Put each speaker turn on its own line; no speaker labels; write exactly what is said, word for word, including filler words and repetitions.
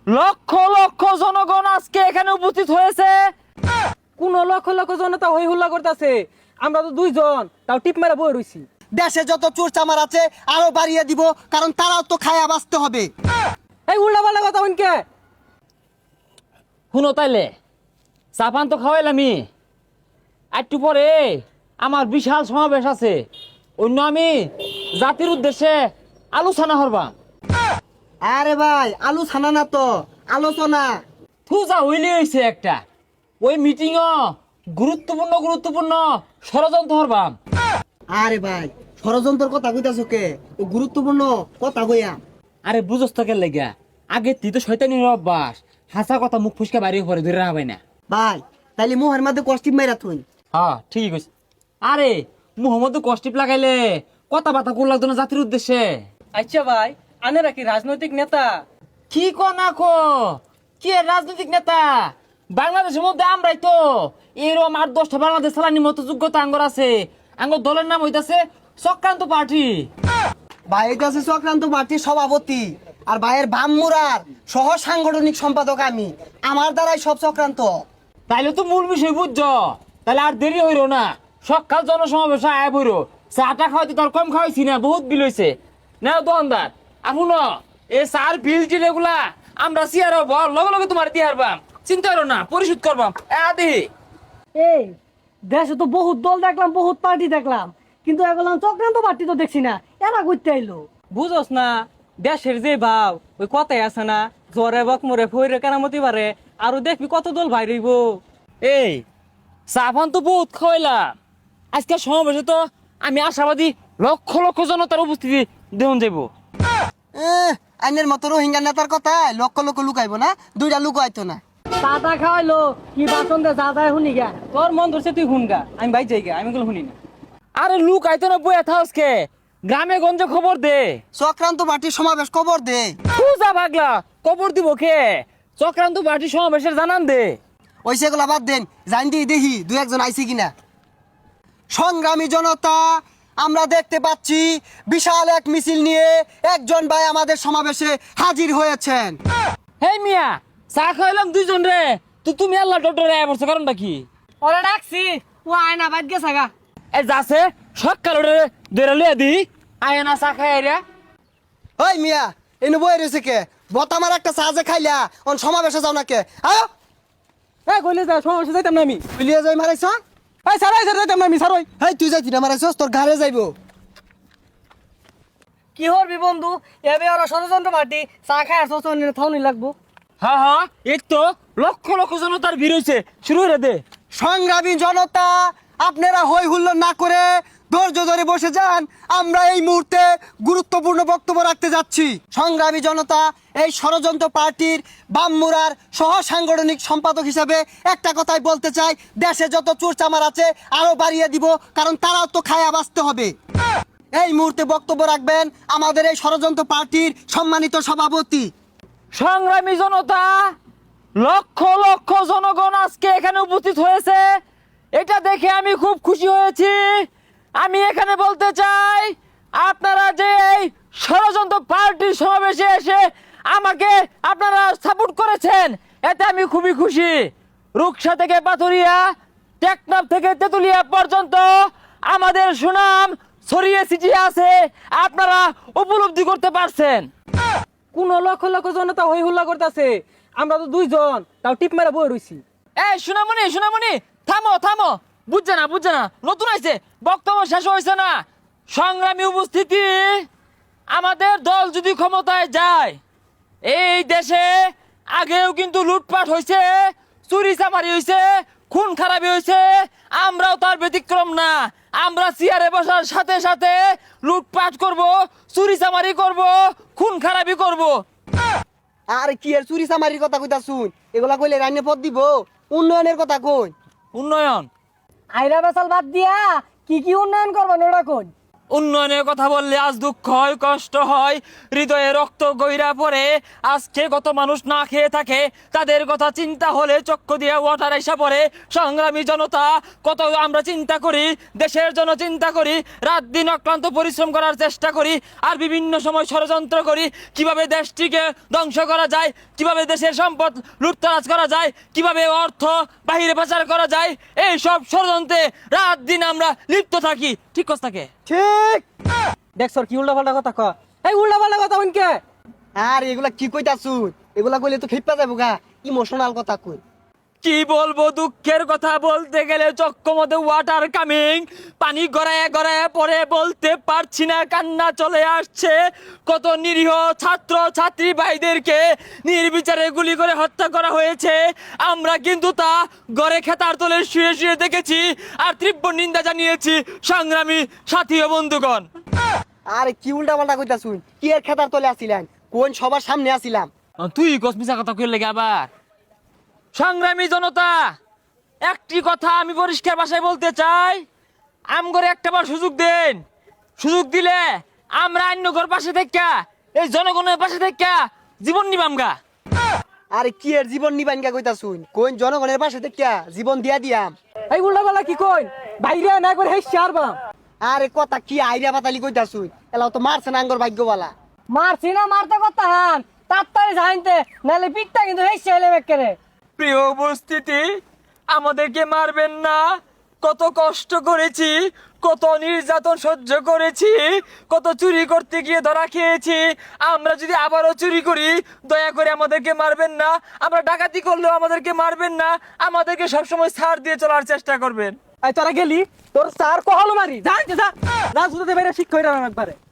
লক্ষ লক্ষ জনগণ আজকে এখানে উপস্থিত হয়েছে।
কোন লক্ষ লক্ষ জনতা হই হুল্লা করতেছে, আমরা তো দুইজন তাও টিপ মেরা বই রইছি।
দেশে যত চোর চামার আছে আরো বাড়িয়ে দিব, কারণ তারাও তো খায়া বাঁচতে হবে।
এই উল্টা পাল্টা কথা হইনকে।
শুনো তাইলে, চাপান তো খাওয়াইলামি, একটু পরে আমার বিশাল সমাবেশ আছে, অন্য আমি জাতির উদ্দেশ্যে আলোচনা করবা।
আরে ভাই, আলু ছানা না তো আলোচনা।
থুজা হইলে হয়েছে একটা, ওই মিটিংও গুরুত্বপূর্ণ গুরুত্বপূর্ণ ষড়যন্ত্র হরবাম।
আরে ভাই, ষড়যন্ত্রের কথা কইতাছ কে? ও গুরুত্বপূর্ণ কথা কইয়া।
আরে বুঝস তো কে লেগা, আগে তুই তো শয়তানি অভ্যাস, হাসা কথা মুখ ফুসকা বাড়ি পরে ধরে রাখা না।
ভাই তাইলে মুহের মধ্যে কষ্টিপ মাইরা তুই।
হ্যাঁ ঠিকই কইস। আরে মুহম্মদ কষ্টিপ লাগাইলে কথা বার্তা কোন লাগতো না জাতির উদ্দেশ্যে।
আচ্ছা ভাই, আনেরা কি রাজনৈতিক নেতা?
কি ক না কো, কি এর রাজনৈতিক নেতা? বাংলাদেশের মধ্যে আমরাই তো এরকম আট দশটা বাংলাদেশ চালানির মতো যোগ্যতা আঙ্গর আছে। আঙ্গর দলের নাম হইতাছে চক্রান্ত পার্টি।
ভাই এটা আছে চক্রান্ত পার্টির সভাপতি, আর ভাইয়ের বামমুরার সহ সাংগঠনিক সম্পাদক আমি। আমার দ্বারাই সব চক্রান্ত।
তাইলে তো মূল বিষয় বুঝছ, তাহলে আর দেরি হইল না, সকাল জনসমাবেশ আয় বইর। চাটা খাওয়াইতে তোর কম খাওয়াইছি না, বহুত বিল হয়েছে। নাও দোকানদার এখন এ চার বিল টিল এগুলা আমরা সিয়ার বল লগে লগে তোমার দিয়ে হারবাম, চিন্তা করো না, পরিশোধ করবাম। এ দেহি
এই দেশে তো বহুত দল দেখলাম, বহুত পার্টি দেখলাম, কিন্তু এগুলো চক্রান্ত পার্টি তো দেখছি না। এরা করতে আইলো।
বুঝোস না, দেশের যে ভাব ওই কথাই আছে না, জ্বরে বকমরে ফইরে কেরামতি পারে, আরো দেখবি কত দল ভাই রইব।
এই চাপান তো বহুত খাওয়াইলাম, আজকে সমাবেশে তো আমি আশাবাদী লক্ষ লক্ষ জনতার উপস্থিতি দেখুন যাইব।
এহ, আইনের মতো রোহিঙ্গা নেতার কথা লক্ষ লক্ষ লুকাইবো না, দুইটা লুকাইতো না।
চাটা খাওয়াইলো, কি বাসন দে যা যায় শুনি গা।
তোর মন ধরছে তুই হুনগা, আমি ভাই যাই গা, আমি গুলো শুনি না।
আরে লুক আইতো না বইয়া থাকসকে, গ্রামে গঞ্জে খবর দে।
চক্রান্ত পার্টির সমাবেশ খবর দে।
পূজা পাগলা খবর দিব কে? চক্রান্ত পার্টি সমাবেশের জানান দে।
ওই সেগুলা বাদ দেন, জান দিয়ে দেখি দু একজন আইছে কিনা। সংগ্রামী জনতা, আমরা দেখতে পাচ্ছি বিশাল এক মিছিল নিয়ে একজন ভাই আমাদের সমাবেশে হাজির হয়েছেন।
হেই মিয়া, চা খাইলাম দুইজন রে, তো তুমি আল্লাহ ডক্টরে আয় পড়ছো, কারণটা কি?
ওরা ডাকছি, ও আয়না বাদ গেছে গা।
এই যাচ্ছে সকাল রে ধরে লিয়া দি, আয় না চা খাই রে।
ওই মিয়া, এনে বই রয়েছে কে? বতামার একটা সাহায্যে খাইলা অন সমাবেশে যাও না কে? আয়
এই কইলে যা, সমস্যা যাইতাম না আমি।
বিলিয়ে যাই মারাইছ।
এই সারাই সারাই যাইতাম না আমি, সারাই।
হেই তুই যাইতি না মারাইছস, তোর ঘরে যাইবো।
কি হরবি বন্ধু, এবে ওরা ষড়যন্ত্র পার্টি, চা খায় আসো থাউনি লাগবো।
হ্যাঁ হ্যাঁ, এই তো লক্ষ লক্ষ জনতার ভিড় হয়েছে, শুরু হয়ে দে।
সংগ্রামী জনতা, আপনারা হই হুল্লো না করে ধৈর্য ধরে বসে যান। আমরা এই মুহূর্তে গুরুত্বপূর্ণ বক্তব্য রাখতে যাচ্ছি। সংগ্রামী জনতা, এই ষড়যন্ত্র পার্টির বামমুরার সহ সাংগঠনিক সম্পাদক হিসেবে একটা কথাই বলতে চাই, দেশে যত চোর চামার আছে আরো বাড়িয়ে দিব, কারণ তারাও তো খায়া বাঁচতে হবে। এই মুহূর্তে বক্তব্য রাখবেন আমাদের এই ষড়যন্ত্র পার্টির সম্মানিত সভাপতি।
সংগ্রামী জনতা, লক্ষ লক্ষ জনগণ আজকে এখানে উপস্থিত হয়েছে, এটা দেখে আমি খুব খুশি হয়েছি। আমি এখানে বলতে চাই, আপনারা যে এই ষড়যন্ত্র পার্টির সমাবেশে এসে আমাকে আপনারা সাপোর্ট করেছেন, এতে আমি খুবই খুশি। রুকসা থেকে পাথুরিয়া, টেকনাফ থেকে তেতুলিয়া পর্যন্ত আমাদের সুনাম ছড়িয়ে ছিটিয়ে আছে, আপনারা উপলব্ধি করতে পারছেন।
কোন লক্ষ লক্ষ জনতা হই হুল্লা করতেছে, আমরা তো দুইজন তাও টিপ মেরা বই রইছি।
এই সোনামণি সোনামণি, থামো থামো, বুঝছে না বুঝছে না, নতুন আইছে, বক্তব্য শেষ হয়েছে না। সংগ্রামী উপস্থিতি, আমাদের দল যদি ক্ষমতায় যায়, এই দেশে আগেও কিন্তু লুটপাট হয়েছে, চুরি চামারি হয়েছে, খুন খারাপি হয়েছে, আমরাও তার ব্যতিক্রম না। আমরা চেয়ারে বসার সাথে সাথে লুটপাট করব, চুরি চামারি করব, খুন খারাপি করব।
আর কি এর চুরি চামারির কথা কইতা শুন, এগুলা কইলে রান্নে পদ দিব। উন্নয়নের কথা কই।
উন্নয়ন
আইরা বেসাল বাদ দিয়া কি কি উন্নয়ন করবেন ওরা কোন?
উন্নয়নের কথা বললে আজ দুঃখ হয়, কষ্ট হয়, হৃদয়ে রক্ত গইরা পড়ে। আজকে কত মানুষ না খেয়ে থাকে, তাদের কথা চিন্তা হলে চক্ষু দিয়ে ওয়াটার এসে পড়ে। সংগ্রামী জনতা, কত আমরা চিন্তা করি, দেশের জন্য চিন্তা করি, রাত দিন অক্লান্ত পরিশ্রম করার চেষ্টা করি, আর বিভিন্ন সময় ষড়যন্ত্র করি কিভাবে দেশটিকে ধ্বংস করা যায়, কিভাবে দেশের সম্পদ লুটতরাজ করা যায়, কিভাবে অর্থ বাহিরে পাচার করা যায়। এই সব ষড়যন্ত্রে রাত দিন আমরা লিপ্ত থাকি। ঠিক কথা থাকে?
ঠিক।
দেখ সর কি উল্টা পাল্টা কথা ক এই উল্টা পাল্টা কথা হইনকে
আর এগুলা কি কইতাছুন? এগুলা কইলে তো খেপা যাবো গা, ইমোশনাল কথা কই।
কি বলবো, দুঃখের কথা বলতে গেলে চক্ষ মধ্যে ওয়াটার কামিং, পানি গড়ায় গড়ায় পরে বলতে পারছি না, কান্না চলে আসছে। কত নিরীহ ছাত্র ছাত্রী ভাইদেরকে নির্বিচারে গুলি করে হত্যা করা হয়েছে। আমরা কিন্তু তা গড়ে খেতার তলে শুয়ে শুয়ে দেখেছি আর তীব্র নিন্দা জানিয়েছি। সংগ্রামী সাথী ও বন্ধুগণ,
আরে কি উল্টা পাল্টা কইতাছুন? কি এর খেতার তলে আসিলেন? কোন সবার সামনে আসিলাম?
তুই কসমিসা কথা কইলে লেগে আবার। সংগ্রামী জনতা, একটি কথা আমি পরিষ্কার ভাষায় বলতে চাই, আমগরে একটাবার সুযোগ দেন। সুযোগ দিলে আমরা অন্যগর পাশে থেকে, এই জনগণের পাশে থেকে জীবন নিবামগা।
আরে কি এর জীবন নিবান গা কইতাছুন? কোন জনগণের পাশে দেখিয়া জীবন দিয়া দিয়াম?
এই উল্টা পাল্টা কি কইন বাইরে না করে হেই শারবাম
আরে কথা কি আইরা পাতালি কইতাছুন? এলাও তো মারছে না আঙ্গর ভাগ্যবালা।
মারছি না মারতে কথা হান তাড়াতাড়ি জানতে নালে পিকটা কিন্তু হেসে এলে বেকেরে।
প্রিয় উপস্থিতি, আমাদেরকে মারবেন না। কত কষ্ট করেছি, কত নির্যাতন সহ্য করেছি, কত চুরি করতে গিয়ে ধরা খেয়েছি। আমরা যদি আবারও চুরি করি, দয়া করে আমাদেরকে মারবেন না। আমরা ডাকাতি করলেও আমাদেরকে মারবেন না। আমাদেরকে সবসময় ছাড় দিয়ে চলার চেষ্টা করবেন।
এই তোরা গেলি তোর স্যার কহলো মারি জানতে যা না শুনতে বাইরে শিক্ষা হইরা একবারে